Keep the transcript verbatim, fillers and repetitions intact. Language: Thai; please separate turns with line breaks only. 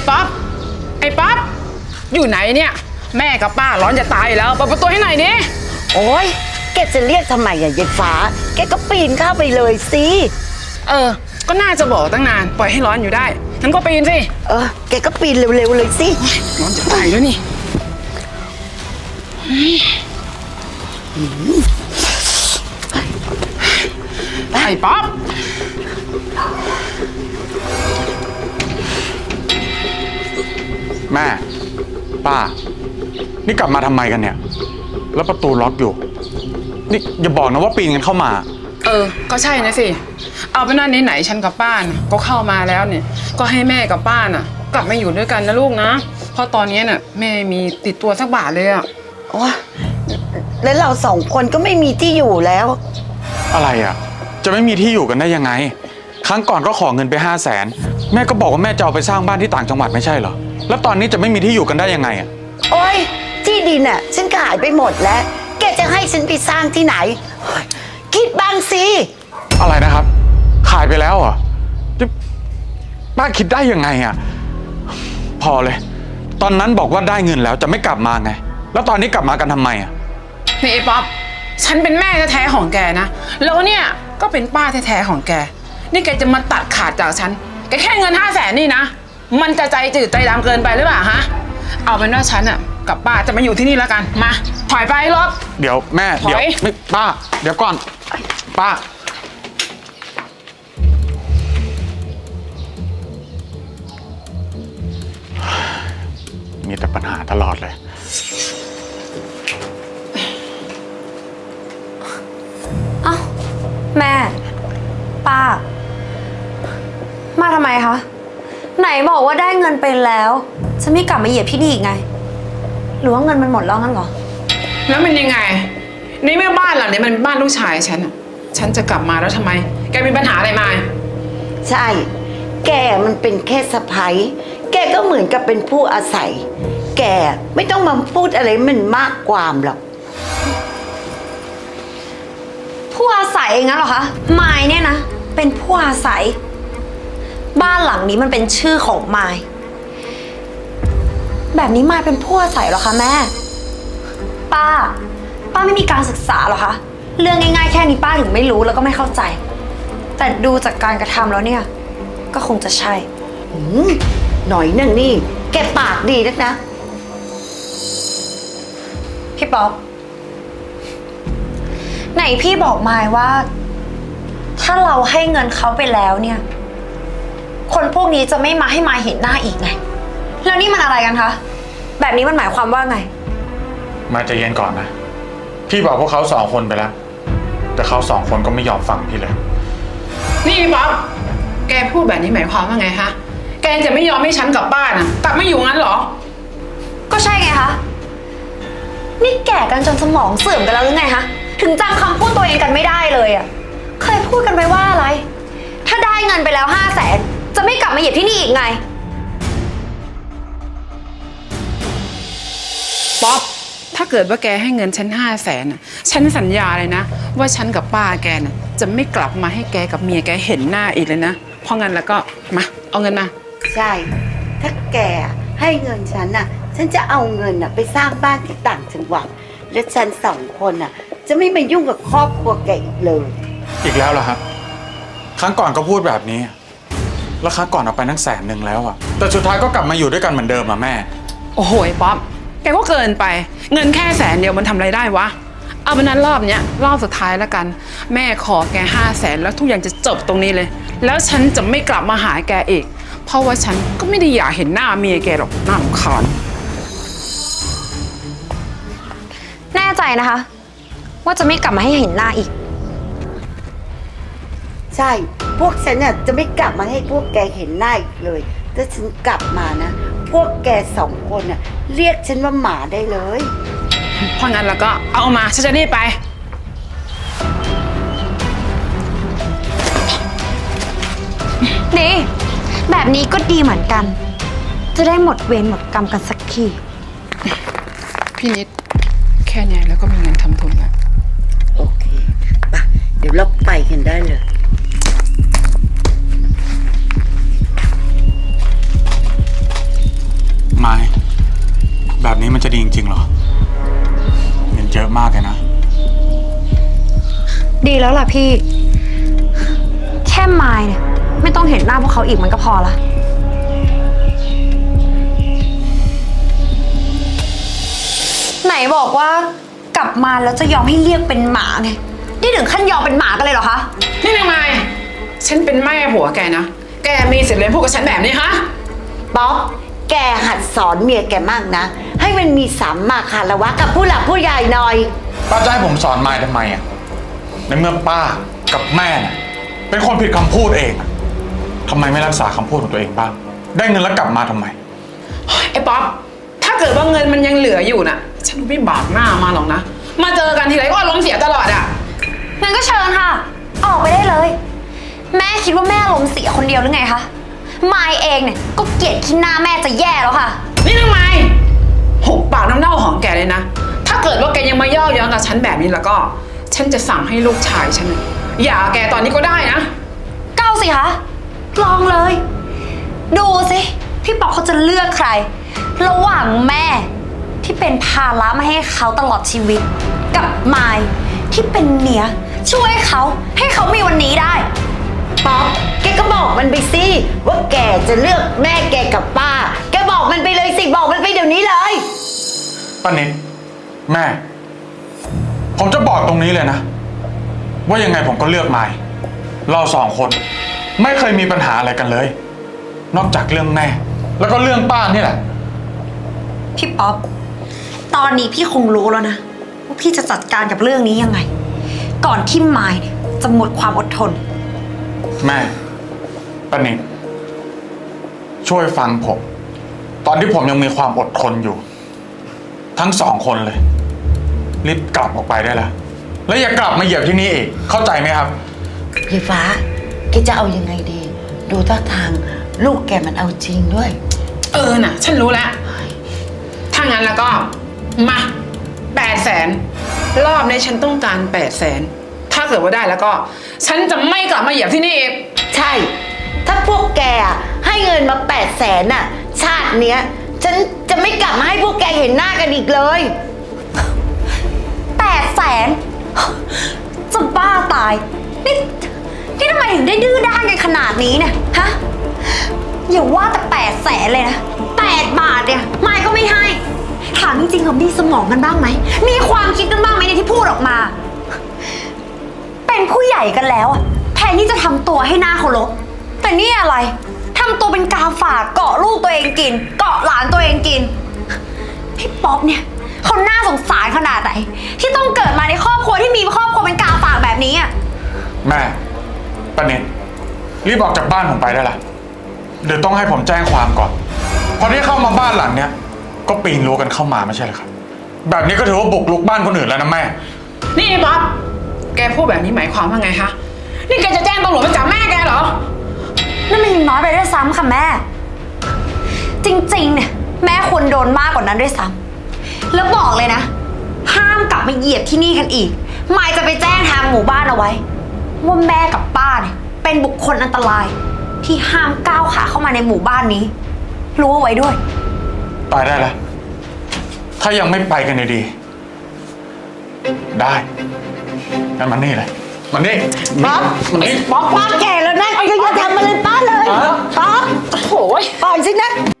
ป๊อปไอ้ป๊อปอยู่ไหนเนี่ยแม่กับป้าร้อนจะตายแล้วเปิดประตูให้หน่อยดิ
โอ๊ยแกจะเรียกทำไมอะยายฟ้าแกก็ปีนเข้าไปเลยสิ
เออก็น่าจะบอกตั้งนานปล่อยให้ร้อนอยู่ได้งั้นก็ปีนสิ
เออแกก็ปีนเร็วๆเลยสิ
ร้อนจะตายแล้วนี่ไอ้ป๊อป
แม่ป้านี่กลับมาทำไมกันเนี่ยแล้วประตูล็อกอยู่นี่อย่าบอกนะว่าปีนกันเข้ามา
เออก็ใช่นะสิเอาเป็นว่าไหนๆฉันกับป้านะก็เข้ามาแล้วเนี่ยก็ให้แม่กับป้าน่ะกลับมาอยู่ด้วยกันนะลูกนะเพราะตอนนี้น่ะแม่มีติดตัวสักบาทเลยอะ
โอ้แล้วเราสองคนก็ไม่มีที่อยู่แล้ว
อะไรอะจะไม่มีที่อยู่กันได้ยังไงครั้งก่อนก็ขอเงินไปห้าแสนแม่ก็บอกว่าแม่จะเอาไปสร้างบ้านที่ต่างจังหวัดไม่ใช่เหรอแล้วตอนนี้จะไม่มีที่อยู่กันได้ยังไงอะ
โอ๊ยที่ดินอะฉันขายไปหมดแล้วแกจะให้ฉันไปสร้างที่ไหนคิดบ้างสิ
อะไรนะครับขายไปแล้วเหรอป้าคิดได้ยังไงอะพอเลยตอนนั้นบอกว่าได้เงินแล้วจะไม่กลับมาไงแล้วตอนนี้กลับมากันทำไมอะ
นี่ไอ้ป๊อปฉันเป็นแม่แท้ๆของแกนะแล้วเนี่ยก็เป็นป้าแท้ๆของแกนี่แกจะมาตัดขาดจากฉันแกแค่เงินห้าแสนนี่นะมันจะใจจืดใจดำเกินไปหรือเปล่าฮะเอาเป็นว่าฉันอะกับป้าจะมาอยู่ที่นี่แล้วกันมาถอยไปรถ
เดี๋ยวแม่เดี๋ยวไม่ป้าเดี๋ยวก่อนป้ามีแต่ปัญหาตลอดเลย
อ้าวแม่ป้ามาทำไมคะไหนบอกว่าได้เงินไปแล้วจะไม่กลับมาเหยียบที่นี่อีกไงหรือว่าเงินมันหมดแล้วงั้นเหรอ
แล้วมันยังไงในเมื่อบ้านหลังนี้มันบ้านลูกชายฉันอะฉันจะกลับมาแล้วทำไมแกมีปัญหาอะไรมา
ใช่แกมันเป็นแค่สะใภ้แกก็เหมือนกับเป็นผู้อาศัยแกไม่ต้องมาพูดอะไรมันมากความหรอก
ผู้อาศัยงั้นเหรอคะมายเนี่ยนะเป็นผู้อาศัยบ้านหลังนี้มันเป็นชื่อของมายแบบนี้มายเป็นผู้อาศัยเหรอคะแม่ป้าป้าไม่มีการศึกษาเหรอคะเรื่องง่ายๆแค่นี้ป้าถึงไม่รู้แล้วก็ไม่เข้าใจแต่ดูจากการกระทำแล้วเนี่ยก็คงจะใช่
หน่อยนั่นนี่แกปากดีนักนะ
พี่ป๊อปไหนพี่บอกมายว่าถ้าเราให้เงินเขาไปแล้วเนี่ยคนพวกนี้จะไม่มาให้มายเห็นหน้าอีกไงแล้วนี่มันอะไรกันคะแบบนี้มันหมายความว่าไง
มาใจเย็นก่อนนะพี่บอกพวกเขาสองคนไปแล้วแต่เขาสองคนก็ไม่ยอมฟังพี่เลย
นี่ป๊อปแกพูดแบบนี้หมายความว่าไงฮะแกจะไม่ยอมให้ฉันกลับบ้านอ่ะกลับไม่อยู่งั้นเหรอ
ก็ใช่ไงคะนี่แก่กันจนสมองเสื่อมกันแล้วหรือไงคะถึงจำคำพูดตัวเองกันไม่ได้เลยอ่ะเคยพูดกันไปว่าอะไรถ้าได้เงินไปแล้วห้าแสนจะไม่กลับมาเหยียบที่นี่อีกไง
ป๊อปถ้าเกิดว่าแกให้เงินฉันห้าแสนฉันสัญญาเลยนะว่าฉันกับป้าแกน่ะจะไม่กลับมาให้แกกับเมียแกเห็นหน้าอีกเลยนะเพราะงั้นแล้วก็มาเอาเงินมา
ใช่ถ้าแกให้เงินฉันน่ะฉันจะเอาเงินน่ะไปสร้างบ้านที่ต่างจังหวัดและฉันสองคนน่ะจะไม่มายุ่งกับครอบครัวแกอีกเลย
อีกแล้วเหรอครับครั้งก่อนก็พูดแบบนี้แล้วครั้งก่อนเอาไปนั่งแสนหนึ่งแล้วอะแต่สุดท้ายก็กลับมาอยู่ด้วยกันเหมือนเดิมอะแม่
โอ้โหป๊อปแกก็เกินไปเงินแค่แสนเดียวมันทำอะไรได้วะเอาเป็นนั้นรอบเนี้ยรอบสุดท้ายแล้วกันแม่ขอแกห้าแสนแล้วทุกอย่างจะจบตรงนี้เลยแล้วฉันจะไม่กลับมาหาแกอีกเพราะว่าฉันก็ไม่ได้อยากเห็นหน้าเมียแกหรอกน่ารำคาญ
แน่ใจนะคะว่าจะไม่กลับมาให้เห็นหน้าอีก
ใช่พวกฉันน่ะจะไม่กลับมาให้พวกแกเห็นหน้าอีกเลยถ้าฉันกลับมานะพวกแกสองคนน่ะเรียกฉันว่าหมาได้เลย
เพราะงั้นแล้วก็เอามาฉันจะรีบไป
ดีแบบนี้ก็ดีเหมือนกันจะได้หมดเวรหมดกรรมกันสักที
พี่นิดแค่นี้แล้วก็มีเงินทำทุนแล้ว
โอเคป่ะเดี๋ยวเราไปกันได้เลย
ดีจริงๆเหรอเงินเยอะมากเลยนะ
ดีแล้วล่ะพี่ แค่มายเนี่ยไม่ต้องเห็นหน้าพวกเขาอีกมันก็พอละไหนบอกว่ากลับมาแล้วจะยอมให้เรียกเป็นหมาไงนี่ถึงขั้นยอมเป็นหมากันเลยเหรอคะ
นี่นางไม้ฉันเป็นแม่ผัวแกนะ แกมีสิทธิ์เลยพูดกับฉันแบบนี้ฮะ
ป๊อปแกหัดสอนเมียแกมั่งนะ ให้มันมีสัมมาคารวะกับผู้หลักผู้ใหญ่หน่อย
ป้าจะให้ผมสอนมายทำไมอ่ะในเมื่อป้ากับแม่น่ะเป็นคนผิดคำพูดเองอะทำไมไม่รักษาคำพูดของตัวเองบ้าง ได้เงินแล้วกลับมาทำไม
ไอ้ป๊อป ถ้าเกิดว่าเงินมันยังเหลืออยู่น่ะ ฉันไม่บากหน้ามาหรอกนะ มาเจอกันทีไรก็อารมณ์เสียตลอดอ่ะ
งั้นก็เชิญค่ะ ออกไปได้เลย แม่คิดว่าแม่ลมณ์เสียคนเดียวหรือไงคะมายเองเนี่ยก็เกลียดขี้หน้าแม่จะแย่แล้วค่ะ
นี่นางไม้หุบปากน้ำเน่าของแกเลยนะ ถ้าเกิดว่าแกยังมาย่อเย้อนกับฉันแบบนี้แล้วก็ ฉันจะสั่งให้ลูกชายฉันน่ะหย่าแกตอนนี้ก็ได้นะ
เก้าสิคะลองเลย ดูสิพี่ป๊อกเขาจะเลือกใคร ระหว่างแม่ที่เป็นภาระมาให้เขาตลอดชีวิต กับมายที่เป็นเมียช่วยเขาให้เขามีวันนี้ได้
ป๊อปแกก็บอกมันไปสิว่าแกจะเลือกแม่แกกับป้า แกบอกมันไปเลยสิบอกมันไปเดี๋ยวนี้เลย
ป้านิดแม่ ผมจะบอกตรงนี้เลยนะ ว่ายังไงผมก็เลือกมายเราสองคนไม่เคยมีปัญหาอะไรกันเลย นอกจากเรื่องแม่ แล้วก็เรื่องป้านี่แหละ
พี่ป๊อป ตอนนี้พี่คงรู้แล้วนะว่าพี่จะจัดการกับเรื่องนี้ยังไง ก่อนที่มายเนี่ยจะหมดความอดทน
แม่ป้านิดช่วยฟังผม ตอนที่ผมยังมีความอดทนอยู่ ทั้งสองคนเลยรีบกลับออกไปได้แล้วแล้วอย่ากลับมาเหยียบที่นี่อีกเข้าใจไหมครับ
พี่ฟ้าแกจะเอายังไงดี ดูท่าทางลูกแกมันเอาจริงด้วย
เออน่ะ ฉันรู้แล้ว ถ้างั้นแล้วก็ มาแปดแสนรอบนี้ฉันต้องการแปดแสนถ้าเกิดว่าได้แล้วก็ ฉันจะไม่กลับมาเหยียบที่นี่อีก
ใช่ ถ้าพวกแกอะให้เงินมาแปดแสนน่ะ ชาติเนี้ย ฉันจะไม่กลับมาให้พวกแกเห็นหน้ากันอีกเลย
แปดแสนจะบ้าตาย นี่นี่ทำไมถึงได้ดื้อด้านกันขนาดนี้เนี่ยฮะอย่าว่าแต่แปดแสนเลยนะแปดบาทเนี่ยมายก็ไม่ให้ ถามจริงๆเขามีสมองกันบ้างไหม มีความคิดกันบ้างไหมในที่พูดออกมา เป็นผู้ใหญ่กันแล้วอะแทนที่จะทำตัวให้หน้าเคารพแต่นี่อะไรทำตัวเป็นกาฝากเกาะลูกตัวเองกิน เกาะหลานตัวเองกิน พี่ป๊อปเนี่ยเขาน่าสงสารขนาดไหนที่ต้องเกิดมาในครอบครัวที่มีครอบครัวเป็นกาฝากแบบนี้อ่ะ
แม่ป้านิดรีบออกจากบ้านผมไปได้ละเดี๋ยวต้องให้ผมแจ้งความก่อนพอที่เข้ามาบ้านหลังเนี้ยก็ปีนรั้วกันเข้ามาไม่ใช่เหรอครับ แบบนี้ก็ถือว่าบุกรุกบ้านคนอื่นแล้วนะแม่
นี่ป๊อป แกพูดแบบนี้หมายความว่าไงคะ นี่แกจะแจ้งตำรวจมาจับแม่แกเหรอ
นั่นมันยังน้อยไปด้วยซ้ำค่ะแม่ จริงๆเนี่ยแม่ควรโดนมากกว่านั้นด้วยซ้ำแล้วบอกเลยนะ ห้ามกลับมาเหยียบที่นี่กันอีกมายจะไปแจ้งทางหมู่บ้านเอาไว้ว่าแม่กับป้าเนี่ยเป็นบุคคลอันตราย ที่ห้ามก้าวขาเข้ามาในหมู่บ้านนี้รู้เอาไว้ด้วย
ไปได้แล้วถ้ายังไม่ไปกันดีๆได้งั้นมันนี่เลยมันนี่
ป๊อป
มันนี่
ป๊อปป้าแก่แล้วนะอย่าอย่าทำอะไรป้าเลย ป๊อป
โอ้ย
ปล่อยสินะ